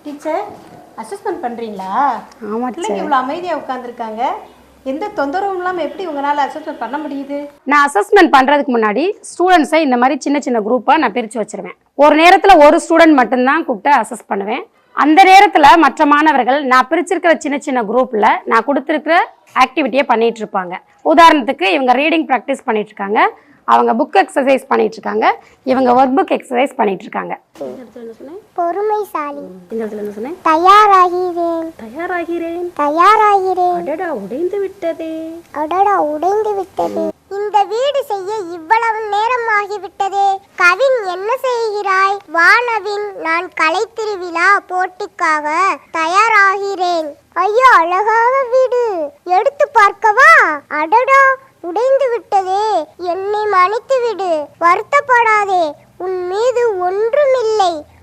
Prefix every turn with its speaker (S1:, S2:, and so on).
S1: Teacher assessment பண்ணுறீங்களா?
S2: ஆமாம்
S1: பிள்ளைங்க இவ்வளோ அமைதியாக உட்காந்துருக்காங்க. எந்த தொந்தரவும் இல்லாமல் எப்படி உங்களால் அசஸ்மெண்ட் பண்ண முடியுது?
S2: நான் அசஸ்மெண்ட் பண்ணுறதுக்கு முன்னாடி ஸ்டூடெண்ட்ஸை இந்த மாதிரி சின்ன சின்ன குரூப்பாக நான் பிரித்து வச்சுருவேன். ஒரு நேரத்தில் ஒரு ஸ்டூடெண்ட் மட்டும்தான் கூப்பிட்டு அசஸ் பண்ணுவேன். அந்த நேரத்தில் மற்ற மாணவர்கள் நான் பிரிச்சிருக்கிற சின்ன சின்ன குரூப்பில் நான் கொடுத்துருக்கிற ஆக்டிவிட்டியை பண்ணிகிட்டு இருப்பாங்க. உதாரணத்துக்கு இவங்க ரீடிங் ப்ராக்டிஸ் பண்ணிட்டு இருக்காங்க, அவங்க புக் எக்ஸசைஸ் பண்ணிட்டு இருக்காங்க, இவங்க ஒர்க் புக் எக்ஸசைஸ் பண்ணிட்டு இருக்காங்க.
S3: பொறுமைசாலி.
S1: இந்த இடத்துல என்ன சொன்னேன்?
S3: தயாராகிறேன்.
S1: தயாராகிறேன்.
S3: தயாராகிறேன்.
S1: அடடா உடைந்து விட்டதே.
S3: அடடா உடைந்து விட்டது. இந்த வீடு செய்ய இவ்வளவு நேரம் ஆகிவிட்டதே. கவின் என்ன செய்கிறாய்? வானவின், நான் கலை திருவிழா போட்டிக்காக தயாராகிறேன். ஐயோ அழகாக வீடு, எடுத்து பார்க்கவா? அடடா உடைந்து விட்டதே. என்னை மன்னித்து விடு, வருத்தப்படாதே, உன் மீது ஒன்றுமில்லை.